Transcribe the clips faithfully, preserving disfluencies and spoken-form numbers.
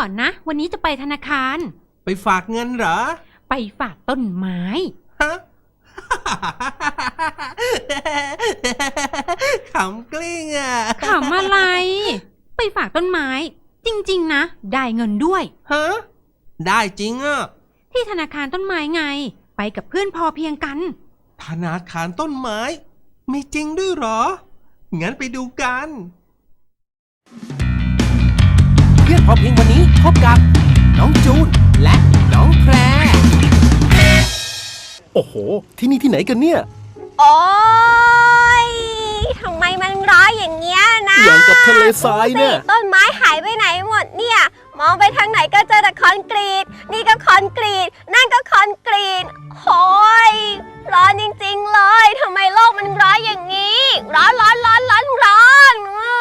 อนนะวันนี้จะไปธนาคารไปฝากเงินเหรอไปฝากต้นไม้ฮะ ขำกลิ้งอ่ะขำอะไรไปฝากต้นไม้จริงๆนะได้เงินด้วยฮะได้จริงอ่ะที่ธนาคารต้นไม้ไงไปกับเพื่อนพอเพียงกันธนาคารต้นไม้มีจริงด้วยเหรองั้นไปดูกันเพื่อนพอเพียงวันนี้พบกับน้องจูนและน้องแพรโอ้โหที่นี่ที่ไหนกันเนี่ยโอ๊ยทำไมมันร้ายอย่างเงี้ยนะอย่างกับทะเลทรายเนี่ยต้นไม้หายไปไหนหมดเนี่ยมองไปทางไหนก็เจอแต่คอนกรีตนี่ก็คอนกรีตนั่นก็คอนกรีตโอ้ยร้อนจริงๆเลยทำไมโลกมันร้ายอย่างนี้ร้อนร้อนร้อนร้อนร้อน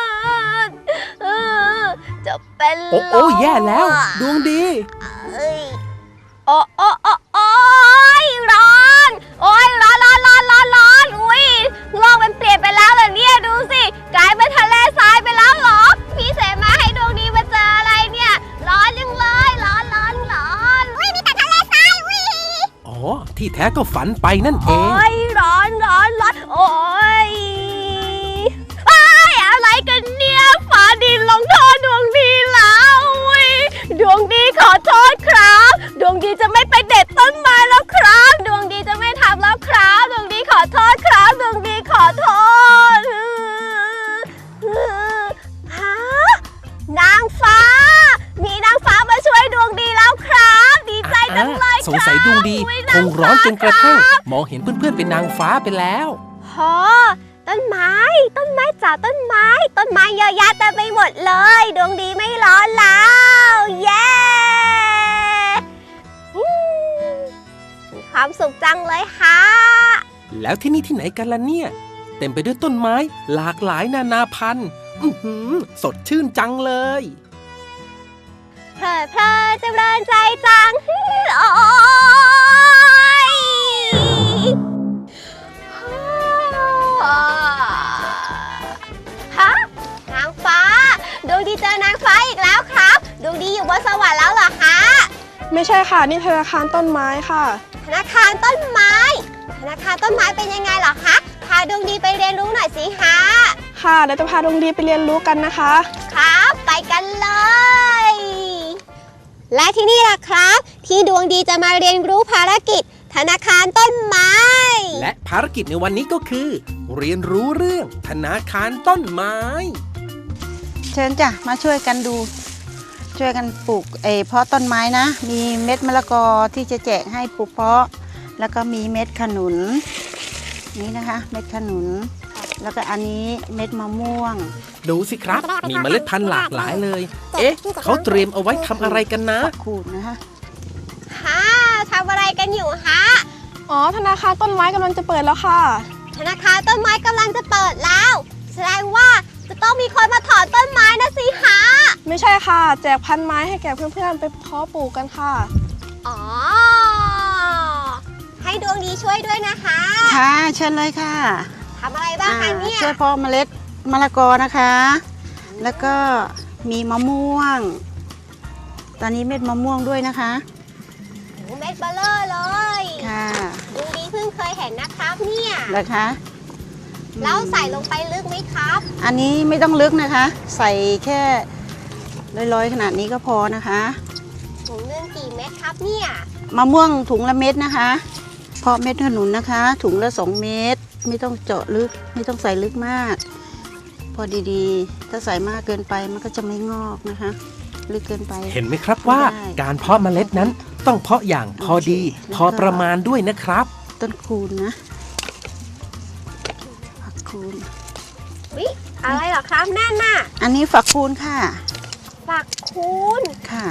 จะเป็นโอ้โอ้แย่แล้วดวงดีโอ้โอ้โอ้โอ้ยร้อนโอ้ยร้อนร้อนร้อนร้อนร้อนอุ้ยโลกมันเปลี่ยนไปแล้วเหรอเนี่ยดูสิกลายเป็นทะเลทรายไปแล้วเหรอพี่เสมาให้ดวงดีมาเจออะไรเนี่ยร้อนยังเลยร้อนร้อนร้อนอุ้ยมีแต่ทะเลทรายอุ้ยอ๋อที่แท้ก็ฝันไปนั่นเองโอ้ยร้อนร้อนร้อนโอ้ยไอ้อะไรกันเนี่ยฟ้าดินลงโทษดวงดีแล้วอุ้ยดวงดีขอโทษครับดวงดีจะไม่ไปเด็ดต้นไม้แล้วครับดวงดีจะไม่ทำแล้วครับดวงดีขอโทษครับดวงดีขอโทษฮะนางฟ้ามีนางฟ้ามาช่วยดวงดีแล้วครับดีใจจังเลยครับสงสัยดวงดีคงร้อนจนกระทั่งมองเห็นเพื่อนๆเป็นนางฟ้าไปแล้วฮะต้นไม้ต้นไม้จ๋าต้นไม้ต้นไม้เยอะแยะเต็มไปหมดเลยดวงดีไม่ร้อนแล้วเย้มีความสุขจังเลยฮะแล้วที่นี่ที่ไหนกันล่ะเนี่ยเต็มไปด้วยต้นไม้หลากหลายนานาพันธุ์อื้อหือสดชื่นจังเลยเพลิดเพลินจำเริญใจจังโอ้ยฮะนางฟ้าดวงดีเจอนางฟ้าอีกแล้วครับดวงดีอยู่บนสวรรค์แล้วเหรอคะไม่ใช่ค่ะนี่ธนาคารต้นไม้ค่ะธนาคารต้นไม้ธนาคารต้นไม้เป็นยังไงเหรอคะพาดวงดีไปเรียนรู้หน่อยสิคะค่ะเดี๋ยวจะพาดวงดีไปเรียนรู้กันนะคะครับไปกันเลยและที่นี่ล่ะครับที่ดวงดีจะมาเรียนรู้ภารกิจธนาคารต้นไม้และภารกิจในวันนี้ก็คือเรียนรู้เรื่องธนาคารต้นไม้เชิญจ้ะมาช่วยกันดูช่วยกันปลูกเอเพาะต้นไม้นะมีเม็ดมะละกอที่จะแจกให้ปลูกเพาะแล้วก็มีเม็ดขนุนนี่นะคะเม็ดขนุนแล้วก็อันนี้เม็ดมะม่วงดูสิครับมีเมล็ดพันธุ์หลากหลายเลยเอ๊ะเขาเตรียมเอาไว้ทำอะไรกันนะขูดนะคะฮะทำอะไรกันอยู่ฮะอ๋อธนาคารต้นไม้กำลังจะเปิดแล้วค่ะธนาคารต้นไม้กำลังจะเปิดแล้วแสดงว่าจะต้องมีคนมาถอนต้นไม้นะสิฮะไม่ใช่ค่ะแจกพันไม้ให้แก่เพื่อนๆไปเพาะปลูกกันค่ะอ๋อให้ดวงดีช่วยด้วยนะคะค่ะเชิญเลยค่ะทำอะไรบ้างคะเนี่ยช่วยเพาะเมล็ดมะละกอนะคะแล้วก็มีมะม่วงตอนนี้เม็ดมะม่วงด้วยนะคะเม็ดเบลอเลยค่ะดวงดีเพิ่งเคยเห็นนะครับเนี่ยนะคะแล้วใส่ลงไปลึกไหมครับอันนี้ไม่ต้องลึกนะคะใส่แค่ลอยๆขนาดนี้ก็พอนะคะถุงนึงกี่เม็ดครับเนี่ยมะม่วงถุงละเม็ดนะคะเพาะเม็ดขนุนนะคะถุงละสองเม็ดไม่ต้องเจาะลึกไม่ต้องใส่ลึกมากพอดีๆถ้าใส่มากเกินไปมันก็จะไม่งอกนะคะลึกเกินไปเห็นไหมครับว่าการเพาะเมล็ดนั้นต้องเพาะอย่างพอดีพอประมาณด้วยนะครับต้นคูณนะฝักคูณวิอะไรหรอครับแน่นน่ะอันนี้ฝักคูณค่ะฝักคูณค่ะ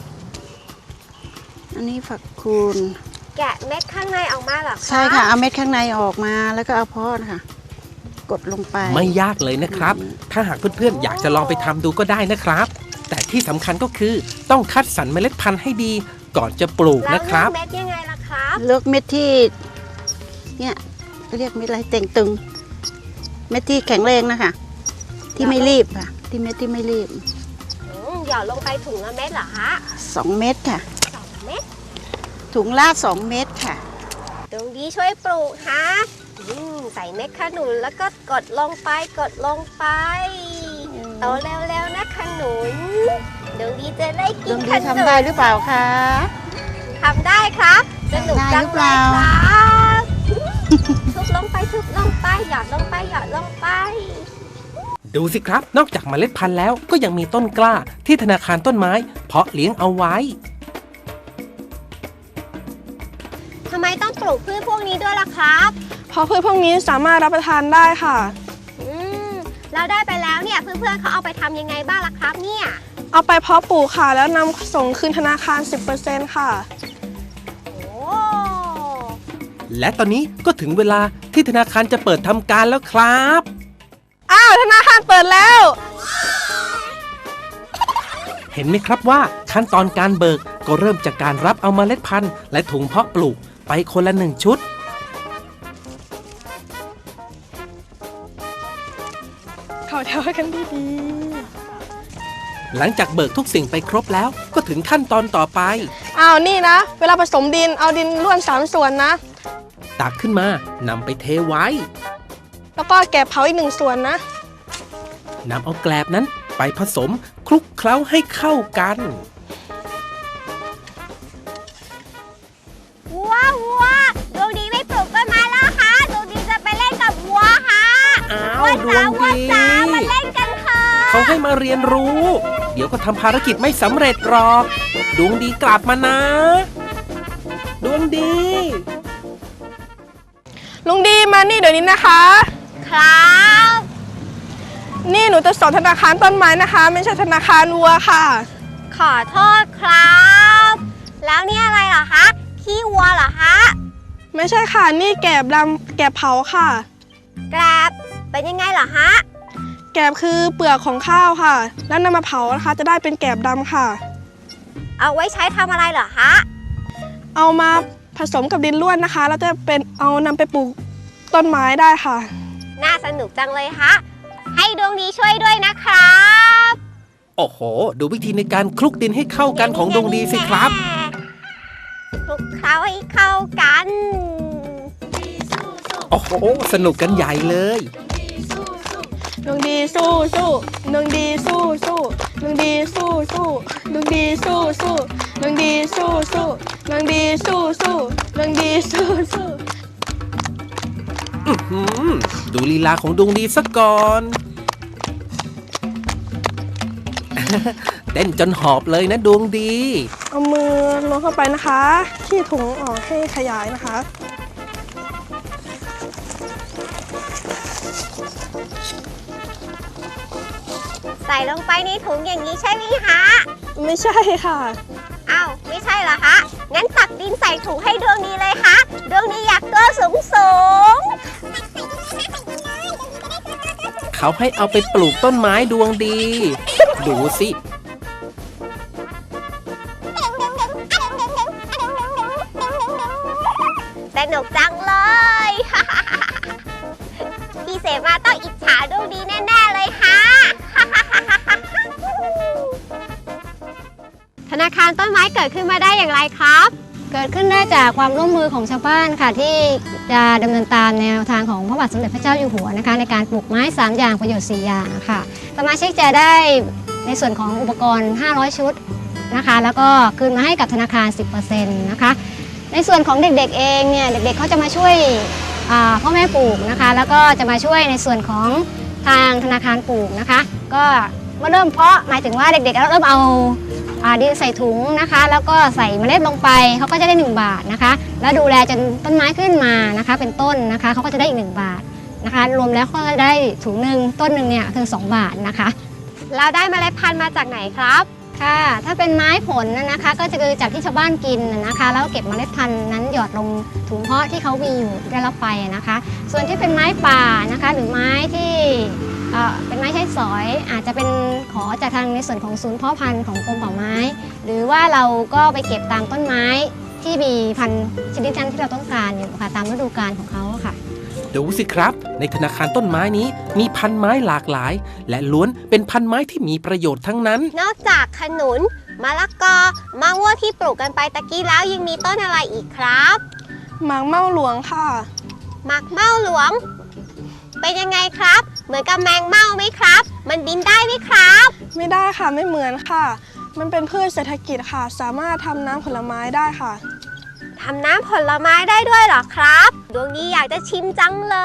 อันนี้ฝักคูณแกะเม็ดข้างในออกมาหรอคะใช่ค่ะเอาเม็ดข้างในออกมาแล้วก็เอาเพาะค่ะกดลงไปไม่ยากเลยนะครับถ้าหากเพื่อนๆอยากจะลองไปทำดูก็ได้นะครับแต่ที่สำคัญก็คือต้องคัดสรรเมล็ดพันธุ์ให้ดีก่อนจะปลูกนะครับเลือกเม็ดยังไงล่ะครับเลือกเม็ดที่เนี่ยเรียกเม็ดอะไรเต่งตึงเม็ดที่แข็งแรงนะคะที่ไม่รีบค่ะที่เม็ดที่ไม่รีบหยอดลงไปถุงละเม็ดเหรอคะสองเม็ดค่ะสองเม็ดถุงละสองเม็ดค่ะดวงดีช่วยปลูกฮะอืมใส่เม็ดขนุนแล้วก็กดลงไปกดลงไปโตเร็วๆนะขนุนดวงดีจะได้ดกิวน งขดีนุนทำได้หรือเปล่าคะทำได้ครับสนุกได้จัหงรือเปเลล่ายครับทุบลงไปทุบลงไปหยอดลงไปหยอดลงไปดูสิครับ นอกจากเมล็ดพันธุ์แล้วก็ยังมีต้นกล้าที่ธนาคารต้นไม้ เพาะเลี้ยงเอาไว้ทำไมต้องปลูกพืชพวกนี้ด้วยล่ะครับเพราะพืชพวกนี้สามารถรับประทานได้ค่ะอืมเราได้ไปแล้วเนี่ยเพื่อนๆเขาเอาไปทำยังไงบ้างล่ะครับเนี่ยเอาไปเพาะปลูกค่ะ แล้วนำส่งคืนธนาคาร สิบเปอร์เซ็นต์ ค่ะโอ้และตอนนี้ก็ถึงเวลาที่ธนาคารจะเปิดทำการแล้วครับอ้าว ธนาคารเปิดแล้วเห็นไหมครับว่าขั้นตอนการเบิกก็เริ่มจากการรับเอาเมล็ดพันธุ์และถุงเพาะปลูกไปคนละหนึ่งชุดเข้าแถวกันดีหลังจากเบิกทุกสิ่งไปครบแล้วก็ถึงขั้นตอนต่อไปๆอ้าว นี่นะ เวลาผสมดิน เอาดินร่วนสามส่วนนะตักขึ้นมานำไปเทไว้แล้วก็แกะเผาอีกหนึ่งส่วนนะนำเอาแกลบนั้นไปผสมคลุกเคล้าให้เข้ากันวัววัวดวงดีไม่ปลูกต้นไม้แล้วค่ะดวงดีจะไปเล่นกับวัวค่ะอ้าววัวดวจ๋าง วัวดีจ๋ามาเล่นกันค่ะเขาให้มาเรียนรู้ เดี๋ยวก็ทำภารกิจไม่สำเร็จหรอก ดวงดีกลับมานะ ดวงดีลุงดีมานี่เดี๋ยวนี้นะคะครับนี่หนูจะสอนธนาคารต้นไม้นะคะ ไม่ใช่ธนาคารวัวค่ะขอโทษครับ แล้วนี่อะไรเหรอคะขี้วัวเหรอคะไม่ใช่ค่ะ นี่แกบดำแกบเผาค่ะแกรบเป็นยังไงเหรอฮะแกบคือเปลือกของข้าวค่ะ แล้วนำมาเผานะคะ จะได้เป็นแกบดำค่ะเอาไว้ใช้ทำอะไรเหรอฮะเอามาผสมกับดินร่วนนะคะ แล้วจะเป็นเอานำไปปลูกต้นไม้ได้ค่ะน่าสนุกจังเลยฮะให้ดวงดีช่วยด้วยนะครับโอ้โห ดูวิธีในการคลุกดินให้เข้ากันของดวงดีสิครับคลุกเคล้าให้เข้ากันโอ้โห สนุกกันใหญ่เลยดวงดีสู้สู้ดวงดีสู้สู้ดวงดีสู้สู้ดวงดีสู้สู้ดวงดีสู้สู้ดวงดีสู้สู้ดวงดีสู้สู้อื้อหือดูลีลาของดวงดีซะก่อน เต้นจนหอบเลยนะดวงดีเอามือล้วงเข้าไปนะคะขี้ถุงออกให้ขยายนะคะใส่ลงไปในถุงอย่างนี้ใช่ไหมฮะไม่ใช่ค่ะอ้าวไม่ใช่เหรอคะงั้นตักดินใส่ถุงให้ดวงดีเลยค่ะดวงดีอยากตัวสูงสูงเขาให้เอาไปปลูกต้นไม้ดวงดี ดูสิสนุกจังเลย พี่เสมาต้องอิจฉาดวงดีแน่ๆเลยฮะ ธนาคารต้นไม้เกิดขึ้นมาได้อย่างไรครับเกิดขึ้นได้จากความร่วมมือของชาวบ้านค่ะที่จะดำเนินตามแนวทางของพระบาทสมเด็จพระเจ้าอยู่หัวนะคะในการปลูกไม้สามอย่างประโยชน์สี่อย่างค่ะสมาชิกจะได้ในส่วนของอุปกรณ์ห้าร้อยชุดนะคะแล้วก็คืนมาให้กับธนาคาร สิบเปอร์เซ็นต์ นะคะในส่วนของเด็กๆเองเนี่ยเด็กๆเขาจะมาช่วยพ่อแม่ปลูกนะคะแล้วก็จะมาช่วยในส่วนของทางธนาคารปลูกนะคะก็เมื่อเริ่มเพาะหมายถึงว่าเด็กๆเริ่มเอาดินใส่ถุงนะคะแล้วก็ใส่เมล็ดลงไปเขาก็จะได้หนึ่งบาทนะคะแล้วดูแลจนต้นไม้ขึ้นมานะคะเป็นต้นนะคะเขาก็จะได้อีกหนึ่งบาทนะคะรวมแล้วก็จะได้ถุงหนึ่งต้นหนึ่งเนี่ยคือสองบาทนะคะเราได้เมล็ดพันธุ์มาจากไหนครับค่ะถ้าเป็นไม้ผลนะคะก็จะคือจากที่ชาวบ้านกินนะคะแล้วเก็บเมล็ดพันธุ์นั้นหยอดลงถุงเพาะที่เขามีอยู่ได้รับไปนะคะส่วนที่เป็นไม้ป่านะคะหรือไม้ที่เอ่อเป็นไม้ใช้สอยอาจจะเป็นขอจากทางในส่วนของศูนย์เพาะพันธุ์ของกรมป่าไม้หรือว่าเราก็ไปเก็บตามต้นไม้ที่มีพันธุ์ชนิดนั้นที่เราต้องการอยู่ค่ะตามฤดูกาลของเขาค่ะดูสิครับ ในธนาคารต้นไม้นี้มีพันไม้หลากหลาย และล้วนเป็นพันไม้ที่มีประโยชน์ทั้งนั้นนอกจากขนุนมะละกอมะม่วงที่ปลูกกันไปตะกี้แล้วยังมีต้นอะไรอีกครับหมากเม่าหลวงค่ะหมากเม่าหลวง เป็นยังไงครับ เหมือนกับแมงเม่าไหมครับ มันบินได้ไหมครับไม่ได้ค่ะไม่เหมือนค่ะ มันเป็นพืชเศรษฐกิจค่ะ สามารถทำน้ำผลไม้ได้ค่ะทำน้ำผลไม้ได้ด้วยเหรอครับ ดวงนี้อยากจะชิมจังเลย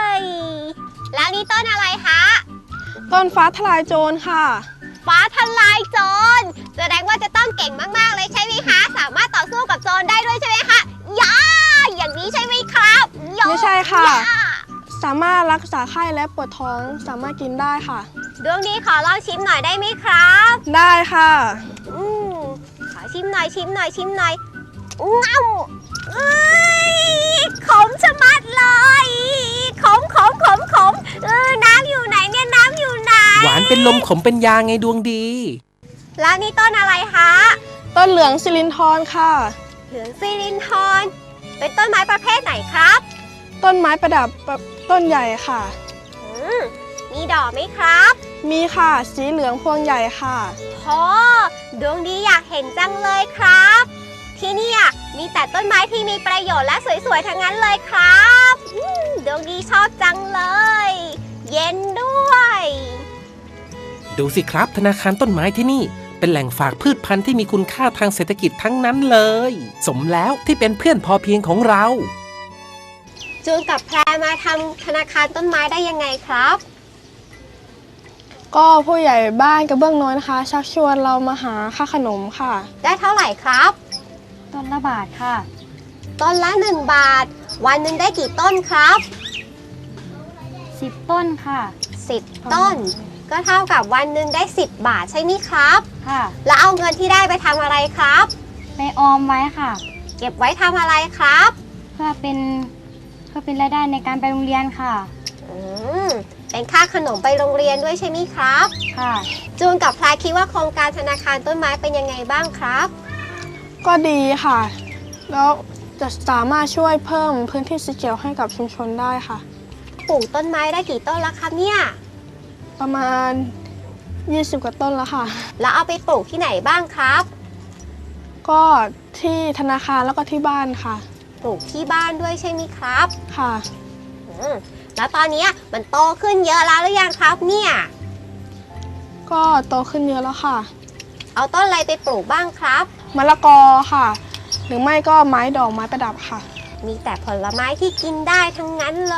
แล้วนี่ต้นอะไรคะต้นฟ้าทลายโจรค่ะฟ้าทลายโจรแสดงว่าจะต้องเก่งมากๆเลยใช่ไหมคะ สามารถต่อสู้กับโจรได้ด้วยใช่ไหมคะย่าอย่างนี้ใช่ไหมครับย่าไม่ใช่ค่ะย่าสามารถรักษาไข้และปวดท้องสามารถกินได้ค่ะดวงนี้ขอลองชิมหน่อยได้ไหมครับได้ค่ะอืมขอชิมหน่อยชิมหน่อยชิมหน่อยง้ำเอ้ยขมชะมัดเลยขมขมขมขมเออน้ำอยู่ไหนเนี่ยน้ำอยู่ไหนหวานเป็นลมขมเป็นยาไงดวงดีแล้วนี่ต้นอะไรคะต้นเหลืองสิรินทรค่ะเหลืองซิลินทรเป็นต้นไม้ประเภทไหนครับต้นไม้ประดับต้นใหญ่ค่ะอืมมีดอกไหมครับมีค่ะสีเหลืองพวงใหญ่ค่ะโอ้ดวงดีอยากเห็นจังเลยครับ ที่เนี่ยมีแต่ต้นไม้ที่มีประโยชน์และสวยๆทั้งนั้นเลยครับอืมดวงดีชอบจังเลย เย็นด้วยดูสิครับ ธนาคารต้นไม้ที่นี่ เป็นแหล่งฝากพืชพันธุ์ที่มีคุณค่าทางเศรษฐกิจทั้งนั้นเลย สมแล้วที่เป็นเพื่อนพอเพียงของเราจูนกับแพรมาทำธนาคารต้นไม้ได้ยังไงครับก็ผู้ใหญ่บ้านกระเบื้องน้อยนะคะ ชักชวนเรามาหาค่าขนมค่ะได้เท่าไหร่ครับต้นละบาทค่ะต้นละหนึ่งบาท วันหนึ่งได้กี่ต้นครับสิบต้นค่ะสิบต้น ก็เท่ากับวันหนึ่งได้สิบบาทใช่ไหมครับค่ะแล้วเอาเงินที่ได้ไปทำอะไรครับไปออมไว้ค่ะเก็บไว้ทำอะไรครับเพื่อเป็นเพื่อเป็นรายได้ในการไปโรงเรียนค่ะอืมเป็นค่าขนมไปโรงเรียนด้วยใช่ไหมครับค่ะจูนกับพลายคิดว่าโครงการธนาคารต้นไม้เป็นยังไงบ้างครับก็ดีค่ะ แล้วจะสามารถช่วยเพิ่มพื้นที่สีเขียวให้กับชุมชนได้ค่ะปลูกต้นไม้ได้กี่ต้นแล้วครับเนี่ยประมาณยี่สิบกว่าต้นแล้วค่ะแล้วเอาไปปลูกที่ไหนบ้างครับก็ที่ธนาคารแล้วก็ที่บ้านค่ะปลูกที่บ้านด้วยใช่ไหมครับค่ะอืมแล้วตอนนี้มันโตขึ้นเยอะแล้วหรือยังครับเนี่ยก็โตขึ้นเยอะแล้วค่ะเอาต้นอะไรไปปลูกบ้างครับมะละกอค่ะ หรือไม่ก็ไม้ดอกไม้ประดับค่ะมีแต่ผลไม้ที่กินได้ทั้งนั้นเลย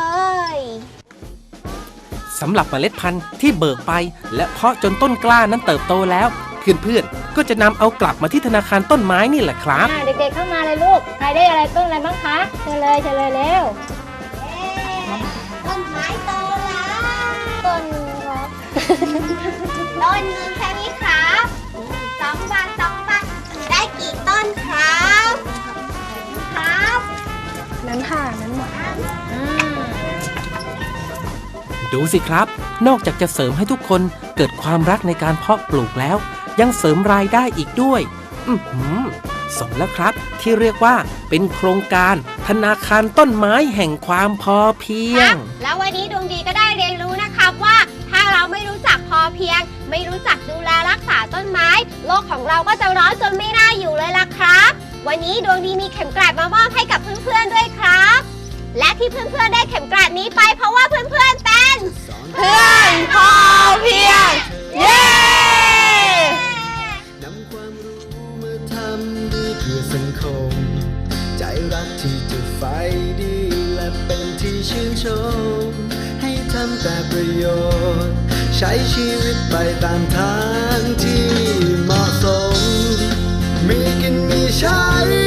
สำหรับเมล็ดพันธุ์ที่เบิกไป และเพาะจนต้นกล้านั้นเติบโตแล้ว เพื่อนๆก็จะนำเอากลับมาที่ธนาคารต้นไม้นี่แหละครับอ่าเด็กๆเข้ามาเลยลูก ใครได้อะไรต้นอะไรบ้างคะ เชิญเลยเชิญเลยเร็วต้นไม้โตแล้วต้นครับต้นหนึงใช่ไหมครับสองบาทสองบาทได้กี่ต้นครับครับนั้นค่ะนั้นหมดดูสิครับ นอกจากจะเสริมให้ทุกคนเกิดความรักในการเพาะปลูกแล้ว ยังเสริมรายได้อีกด้วย อือหือสมแล้วครับที่เรียกว่าเป็นโครงการธนาคารต้นไม้แห่งความพอเพียครังบแล้ววันนี้ดวงดีก็ได้เรียนรู้นะครับว่าถ้าเราไม่รู้จักพอเพียง ไม่รู้จักดูแลรักษาต้นไม้ โลกของเราก็จะร้อนจนไม่น่าอยู่เลยล่ะครับ วันนี้ดวงดีมีเข็มกลัดมามอบให้กับเพื่อนๆด้วยครับ และที่เพื่อนๆได้เข็มกลัดนี้ไปเพราะว่าเพื่อนๆเป็นเพื่อนพอเพียง เย้นำความรู้มาทำดีเพื่อสังคม ใจรักที่จะไฟดีและเป็นที่ชื่นชม ให้ทำแต่ประโยชน์ ใช้ชีวิตไปตามทางที่เหมาะสม มีกินมีใช้